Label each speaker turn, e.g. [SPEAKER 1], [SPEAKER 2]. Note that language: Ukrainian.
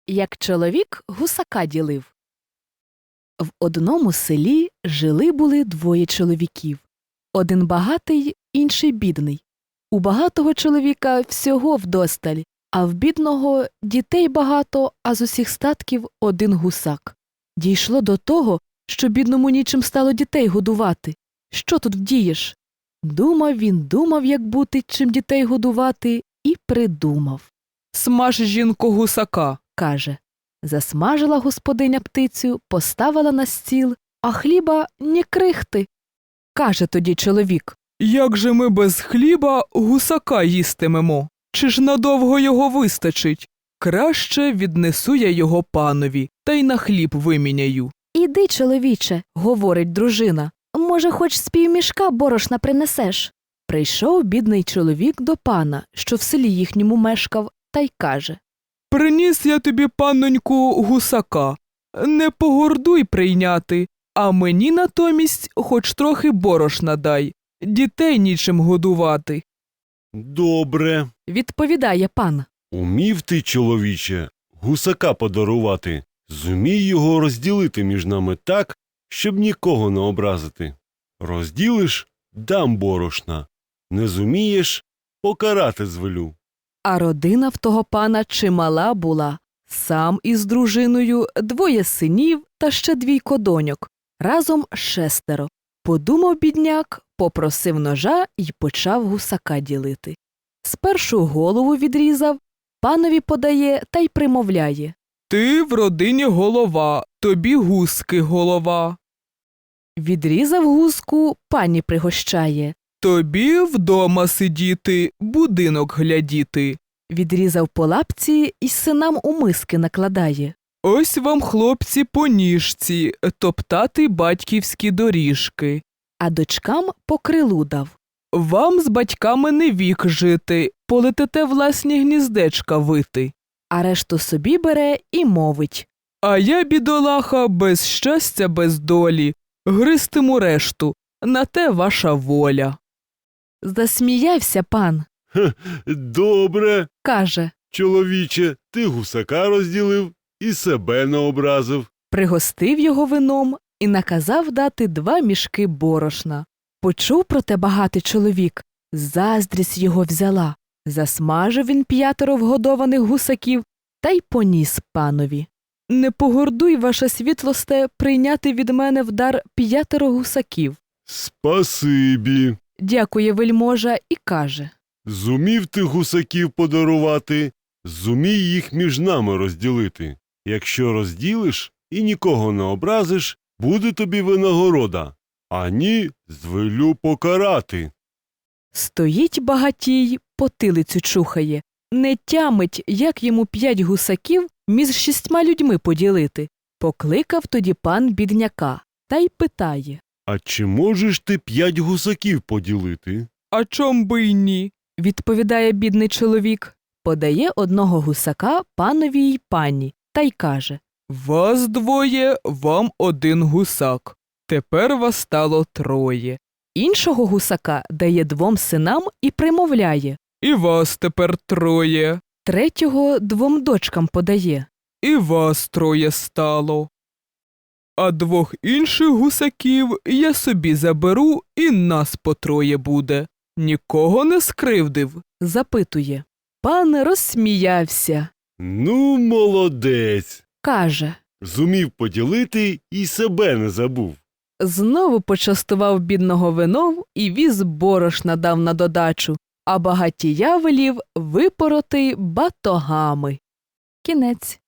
[SPEAKER 1] Як чоловік гусака ділив. В одному селі жили-були двоє чоловіків. Один багатий, інший бідний. У багатого чоловіка всього вдосталь, а в бідного дітей багато, а з усіх статків один гусак. Дійшло до того, що бідному нічим стало дітей годувати. Що тут вдієш? Думав, як бути, чим дітей годувати, і придумав.
[SPEAKER 2] «Смаж, жінко, гусака»,
[SPEAKER 1] – каже. Засмажила господиня птицю, поставила на стіл, а хліба ні крихти. Каже тоді чоловік.
[SPEAKER 2] «Як же ми без хліба гусака їстимемо? Чи ж надовго його вистачить? Краще віднесу я його панові, та й на хліб виміняю».
[SPEAKER 1] «Іди, чоловіче», – говорить дружина, – «може, хоч з півмішка борошна принесеш?» Прийшов бідний чоловік до пана, що в селі їхньому мешкав, та й каже.
[SPEAKER 2] «Приніс я тобі, панноньку, гусака. Не погордуй прийняти, а мені натомість хоч трохи борошна дай. Дітей нічим годувати».
[SPEAKER 3] «Добре.
[SPEAKER 1] Відповідає пан.
[SPEAKER 3] Умів ти, чоловіче, гусака подарувати. Зумій його розділити між нами так, щоб нікого не образити. Розділиш – дам борошна. Не зумієш – покарати звелю».
[SPEAKER 1] А родина в того пана чимала була. Сам із дружиною, двоє синів та ще двійко доньок. Разом 6. Подумав бідняк, попросив ножа й почав гусака ділити. Спершу голову відрізав, панові подає та й примовляє.
[SPEAKER 2] «Ти в родині голова, тобі гуски голова.
[SPEAKER 1] Відрізав гуску, пані пригощає.
[SPEAKER 2] Тобі вдома сидіти, будинок глядіти.
[SPEAKER 1] Відрізав по лапці й синам у миски накладає.
[SPEAKER 2] Ось вам, хлопці, по ніжці, топтати батьківські доріжки.
[SPEAKER 1] А дочкам по крилу дав.
[SPEAKER 2] Вам з батьками не вік жити, полетите власні гніздечка вити.
[SPEAKER 1] А решту собі бере і мовить.
[SPEAKER 2] А я, бідолаха, без щастя, без долі, гристиму решту, на те ваша воля».
[SPEAKER 1] Засміявся пан.
[SPEAKER 3] «Добре,
[SPEAKER 1] Каже.
[SPEAKER 3] чоловіче, ти гусака розділив і себе не образив».
[SPEAKER 1] Пригостив його вином і наказав дати 2 мішки борошна. Почув про те багатий чоловік. Заздрість його взяла. Засмажив він 5 вгодованих гусаків та й поніс панові. «Не погордуй, ваша світлосте, прийняти від мене в дар 5 гусаків».
[SPEAKER 3] «Спасибі.
[SPEAKER 1] Дякує вельможа і каже.
[SPEAKER 3] Зумів ти гусаків подарувати, зумій їх між нами розділити. Якщо розділиш і нікого не образиш, буде тобі винагорода, а ні, звелю покарати».
[SPEAKER 1] Стоїть багатій, потилицю чухає. Не тямить, як йому 5 гусаків між 6 людьми поділити. Покликав тоді пан бідняка та й питає.
[SPEAKER 3] «А чи можеш ти 5 гусаків поділити?»
[SPEAKER 2] «А чом би й ні?»
[SPEAKER 1] – відповідає бідний чоловік. Подає 1 гусака панові й пані та й каже.
[SPEAKER 2] «Вас 2, вам 1 гусак. Тепер вас стало 3.
[SPEAKER 1] Іншого гусака дає 2 синам і примовляє.
[SPEAKER 2] І вас тепер 3.
[SPEAKER 1] Третього 2 дочкам подає.
[SPEAKER 2] І вас 3 стало. А 2 інших гусаків я собі заберу, і нас по 3 буде. Нікого не скривдив?»
[SPEAKER 1] Запитує. Пан розсміявся.
[SPEAKER 3] «Ну, молодець!
[SPEAKER 1] Каже.
[SPEAKER 3] Зумів поділити і себе не забув».
[SPEAKER 1] Знову почастував бідного вином і віз борошна дав на додачу, а багатія велів випороти батогами. Кінець.